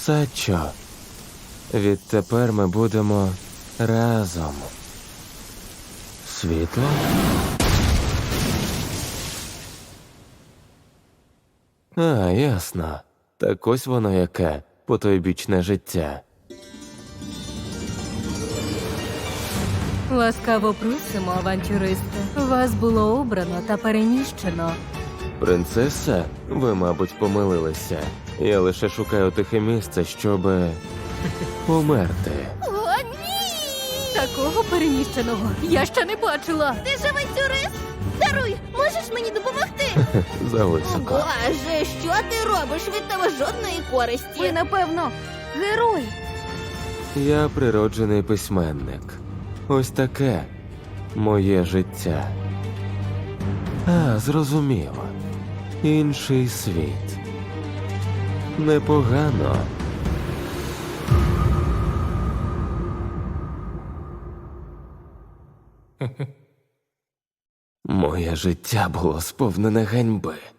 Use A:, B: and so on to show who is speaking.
A: Сачо, відтепер ми будемо разом. Світло? А, ясно. Так ось воно яке, потойбічне життя.
B: Ласкаво просимо, авантюристи. Вас було обрано та переміщено.
A: Принцеса? Ви, мабуть, помилилися. Я лише шукаю тихе місце, щоб померти.
C: О, ні!
B: Такого переміщеного я ще не бачила.
C: Ти ж авантюрист? Даруй, можеш мені допомогти?
A: Зависоко.
C: Боже, що ти робиш? Від тебе жодної користі.
B: Ви, напевно, герой.
A: Я природжений письменник. Ось таке моє життя. А, зрозуміло. Інший світ. Непогано. Моє життя було сповнене ганьби.